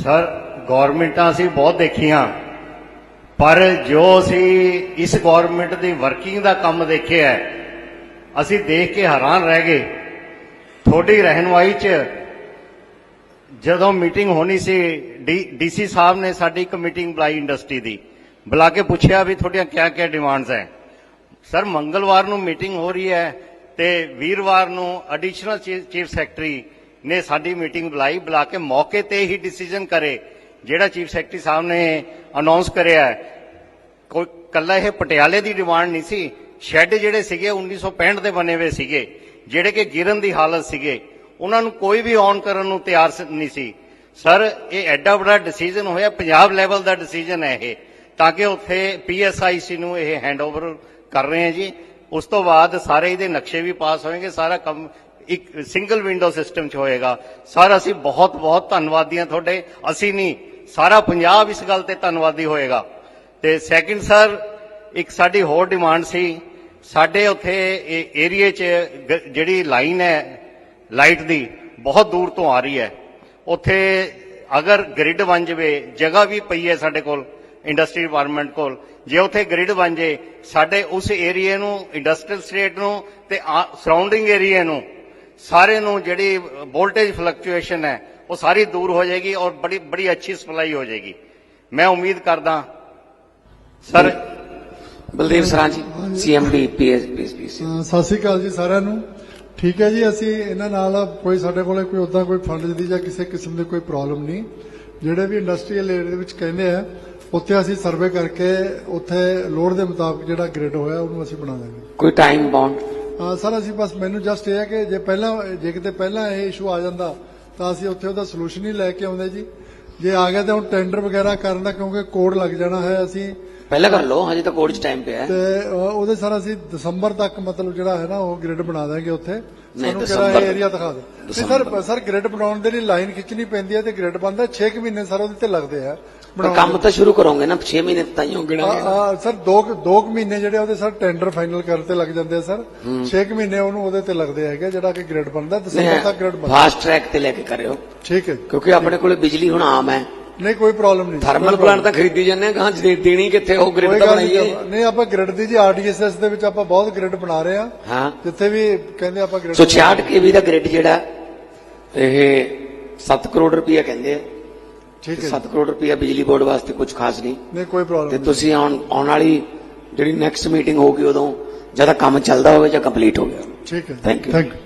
Sir ਗੌਰਮੈਂਟਾਂ ਅਸੀਂ ਬਹੁਤ ਦੇਖੀਆਂ, ਪਰ ਜੋ ਅਸੀਂ ਇਸ ਗੌਰਮੈਂਟ ਦੀ ਵਰਕਿੰਗ ਦਾ ਕੰਮ ਦੇਖਿਆ ਹੈ, ਅਸੀਂ ਦੇਖ ਕੇ ਹੈਰਾਨ ਰਹਿ ਗਏ। ਤੁਹਾਡੀ ਰਹਿਨੁਮਾਈ 'ਚ ਜਦੋਂ ਮੀਟਿੰਗ ਹੋਣੀ ਸੀ, ਡੀਸੀ ਸਾਹਿਬ ਨੇ ਸਾਡੀ ਇੱਕ ਮੀਟਿੰਗ ਬੁਲਾਈ ਇੰਡਸਟਰੀ ਦੀ, ਬੁਲਾ ਕੇ ਪੁੱਛਿਆ ਵੀ ਤੁਹਾਡੀਆਂ ਕਿਆ ਡਿਮਾਂਡਸ ਹੈ। ਸਰ ਮੰਗਲਵਾਰ ਨੂੰ ਮੀਟਿੰਗ ਹੋ ਰਹੀ ਹੈ ਤੇ ਵੀਰਵਾਰ ਨੂੰ ਐਡੀਸ਼ਨਲ ਚੀਫ ਸੈਕਟਰੀ ਨੇ ਸਾਡੀ ਮੀਟਿੰਗ ਬੁਲਾਈ, ਬੁਲਾ ਕੇ ਮੌਕੇ ਤੇ ਹੀ ਡਿਸੀਜਨ ਕਰੇ ਜਿਹੜਾ ਚੀਫ ਸੈਕਟਰੀ ਸਾਹਿਬ ਨੇ ਅਨਾਉਂਸ ਕਰਿਆ। ਕੋਈ ਕੱਲਾ ਇਹ ਪਟਿਆਲੇ ਦੀ ਡਿਮਾਂਡ ਨਹੀਂ ਸੀ, ਸ਼ੈੱਡ ਜਿਹੜੇ ਸੀਗੇ 1965 ਦੇ ਬਣੇ ਹੋਏ ਸੀਗੇ, ਜਿਹੜੇ ਕਿ ਗਿਰਨ ਦੀ ਹਾਲਤ ਸੀਗੇ, ਉਹਨਾਂ ਨੂੰ ਕੋਈ ਵੀ ਔਨ ਕਰਨ ਨੂੰ ਤਿਆਰ ਨਹੀਂ ਸੀ। ਸਰ ਇਹ ਐਡਾ ਵੱਡਾ ਡਿਸੀਜਨ ਹੋਇਆ, ਪੰਜਾਬ ਲੈਵਲ ਦਾ ਡਿਸੀਜਨ ਹੈ ਇਹ, ਤਾਂ ਕਿ ਉੱਥੇ PSIC ਨੂੰ ਇਹ ਹੈਂਡਓਵਰ ਕਰ ਰਹੇ ਹਾਂ ਜੀ। ਉਸ ਤੋਂ ਬਾਅਦ ਸਾਰੇ ਇਹਦੇ ਨਕਸ਼ੇ ਵੀ ਪਾਸ ਹੋਣਗੇ, ਸਾਰਾ ਕੰਮ ਇੱਕ ਸਿੰਗਲ ਵਿੰਡੋ ਸਿਸਟਮ 'ਚ ਹੋਏਗਾ। ਸਰ ਅਸੀਂ ਬਹੁਤ ਬਹੁਤ ਧੰਨਵਾਦੀ ਹਾਂ ਤੁਹਾਡੇ, ਅਸੀਂ ਨਹੀਂ ਸਾਰਾ ਪੰਜਾਬ ਇਸ ਗੱਲ ਤੇ ਧੰਨਵਾਦੀ ਹੋਏਗਾ। ਤੇ ਸੈਕਿੰਡ ਸਰ ਇੱਕ ਸਾਡੀ ਹੋਰ ਡਿਮਾਂਡ ਸੀ, ਸਾਡੇ ਉੱਥੇ ਏਰੀਏ 'ਚ ਜਿਹੜੀ ਲਾਈਨ ਹੈ ਲਾਈਟ ਦੀ ਬਹੁਤ ਦੂਰ ਤੋਂ ਆ ਰਹੀ ਹੈ, ਉੱਥੇ ਅਗਰ ਗ੍ਰਿਡ ਬਣ ਜਾਵੇ, ਜਗ੍ਹਾ ਵੀ ਪਈ ਹੈ ਸਾਡੇ ਕੋਲ ਇੰਡਸਟਰੀ ਡਿਪਾਰਟਮੈਂਟ ਕੋਲ, ਜੇ ਉੱਥੇ ਗ੍ਰਿਡ ਬਣ ਜੇ ਸਾਡੇ ਉਸ ਏਰੀਏ ਨੂੰ, ਇੰਡਸਟਰੀਅਲ ਸਟੇਟ ਨੂੰ ਤੇ ਸਰਾਊਂਡਿੰਗ ਏਰੀਏ ਨੂੰ, ਸਾਰੇ ਨੂੰ ਜਿਹੜੀ ਵੋਲਟੇਜ ਫਲਕਚੁਏਸ਼ਨ ਹੈ ਉਹ ਸਾਰੀ ਦੂਰ ਹੋ ਜਾਏਗੀ ਔਰ ਬੜੀ ਅੱਛੀ ਸਪਲਾਈ ਹੋ ਜਾਏਗੀ। ਮੈਂ ਉਮੀਦ ਕਰਦਾ ਸਰ। ਬਲਦੇਵ ਸਰਾਂ ਜੀ, CMD PSPC। ਸਤਿ ਸ਼੍ਰੀ ਅਕਾਲ ਜੀ ਸਾਰਿਆਂ ਨੂੰ। ਠੀਕ ਹੈ ਜੀ, ਅਸੀਂ ਇਹਨਾਂ ਨਾਲ ਕੋਈ ਸਾਡੇ ਕੋਲੇ ਕੋਈ ਉਦਾਂ ਕੋਈ ਫੰਡ ਦੀ ਜਾਂ ਕਿਸੇ ਕਿਸਮ ਦੀ ਕੋਈ ਪ੍ਰੋਬਲਮ ਨਹੀਂ। ਜਿਹੜੇ ਵੀ ਇੰਡਸਟਰੀਅਲ ਏਰੀਆ ਦੇ ਵਿੱਚ ਕਹਿੰਦੇ ਆ ਉੱਥੇ ਅਸੀਂ ਸਰਵੇ ਕਰਕੇ ਉੱਥੇ ਲੋੜ ਦੇ ਮੁਤਾਬਕ ਜਿਹੜਾ ਗ੍ਰਿਡ ਹੋਇਆ ਉਹਨੂੰ ਅਸੀਂ ਬਣਾ ਦਾਂਗੇ। ਕੋਈ ਟਾਈਮ ਬਾਉਂਡ? ਸਰ ਅਸੀਂ ਬਸ ਮੈਨੂੰ ਜਸਟ ਇਹ ਹੈ ਕਿ ਜੇ ਕਿਤੇ ਪਹਿਲਾਂ ਇਹ ਇਸ਼ੂ ਆ ਜਾਂਦਾ ਤਾਂ ਅਸੀਂ ਉੱਥੇ ਉਹਦਾ ਸੋਲੂਸ਼ਨ ਹੀ ਲੈ ਕੇ ਆਉਂਦੇ ਜੀ। ਜੇ ਆ ਗਿਆ ਤਾਂ ਹੁਣ ਟੈਂਡਰ ਵਗੈਰਾ ਕਰਨ ਦਾ ਕਿਉਂਕਿ ਕੋਡ ਲੱਗ ਜਾਣਾ ਹੈ, ਅਸੀਂ ਪਹਿਲਾਂ ਕਰ ਲਓ, ਹਜੇ ਤਾਂ ਕੋਡ 'ਚ ਟਾਈਮ ਪਿਆ ਤੇ ਉਹਦੇ ਸਰ ਅਸੀਂ ਦਸੰਬਰ ਤੱਕ ਮਤਲਬ ਜਿਹੜਾ ਹੈ ਨਾ ਉਹ ਗ੍ਰਿਡ ਬਣਾ ਦਾਂਗੇ ਉੱਥੇ। ਸਾਨੂੰ ਕਿਹੜਾ ਏਰੀਆ ਦਿਖਾ ਦੇ ਸਰ ਗ੍ਰਿਡ ਬਣਾਉਣ ਦੇ ਲਈ ਲਾਈਨ ਖਿੱਚਣੀ ਪੈਂਦੀ ਹੈ ਤੇ ਗ੍ਰਿਡ ਬਣਦਾ 6 ਮਹੀਨੇ ਸਰ ਉਹਦੇ ਤੇ ਲੱਗਦੇ ਆ। ਕੰਮ ਤਾਂ ਸ਼ੁਰੂ ਕਰੋਗੇ ਨਾ 6 ਮਹੀਨੇ ਤਾਂ ਹੀ ਹੋਗੇ ਸਰ। 2 ਮਹੀਨੇ ਜਿਹੜੇ ਉਹਦੇ ਸਰ ਟੈਂਡਰ ਫਾਈਨਲ ਕਰਨ ਤੇ ਲੱਗ ਜਾਂਦੇ ਆ ਸਰ। 6 ਮਹੀਨੇ ਉਹਨੂੰ ਉਹਦੇ ਤੇ ਲੱਗਦੇ ਹੈਗੇ ਜਿਹੜਾ ਕਿ ਗ੍ਰਿਡ ਬਣਦਾ, ਦਸੰਬਰ ਤੱਕ ਗ੍ਰਿਡ ਬਣਦਾ। ਫਾਸਟ ਟਰੈਕ ਤੇ ਲੈ ਕੇ ਕਰਿਓ, ਠੀਕ ਹੈ, ਕਿਉਂਕਿ ਆਪਣੇ ਕੋਲੇ ਬਿਜਲੀ ਹੁਣ ਆਮ ਹੈ। ਨਹੀਂ ਕੋਈ ਪ੍ਰੋਬਲਮ ਨਹੀਂ। ਥਰਮਲ ਪਲਾਂਟ ਤਾਂ ਖਰੀਦੀ ਜਾਂਦੇ ਆ, ਕਹਾਂ ਦੇਣੀ ਕਿੱਥੇ, ਉਹ ਗ੍ਰਿਡ ਤਾਂ ਬਣਾਈਏ। ਨਹੀਂ ਆਪਾਂ ਗ੍ਰਿਡ ਦੀ ਜੀ RDSS ਦੇ ਵਿੱਚ ਆਪਾਂ ਬਹੁਤ ਗ੍ਰਿਡ ਬਣਾ ਰਹੇ ਆ। ਹਾਂ, ਜਿੱਥੇ ਵੀ ਕਹਿੰਦੇ ਆਪਾਂ ਗ੍ਰਿਡ। 66 kV ਦਾ ਗ੍ਰਿਡ ਜਿਹੜਾ ਇਹ 7 ਕਰੋੜ ਰੁਪਇਆ ਕਹਿੰਦੇ ਆ। ਠੀਕ ਹੈ, 7 ਕਰੋੜ ਰੁਪਇਆ ਬਿਜਲੀ ਬੋਰਡ ਵਾਸਤੇ ਕੁਝ ਖਾਸ ਨਹੀਂ। ਨਹੀਂ ਕੋਈ ਪ੍ਰੋਬਲਮ ਤੇ ਤੁਸੀਂ ਆਉਣ ਵਾਲੀ ਜਿਹੜੀ ਨੈਕਸਟ ਮੀਟਿੰਗ ਹੋਊਗੀ ਉਦੋਂ ਜਦ ਕੰਮ ਚੱਲਦਾ ਹੋਵੇ ਜਾਂ ਕੰਪਲੀਟ ਹੋ ਗਿਆ। ਠੀਕ ਹੈ, ਥੈਂਕ ਯੂ।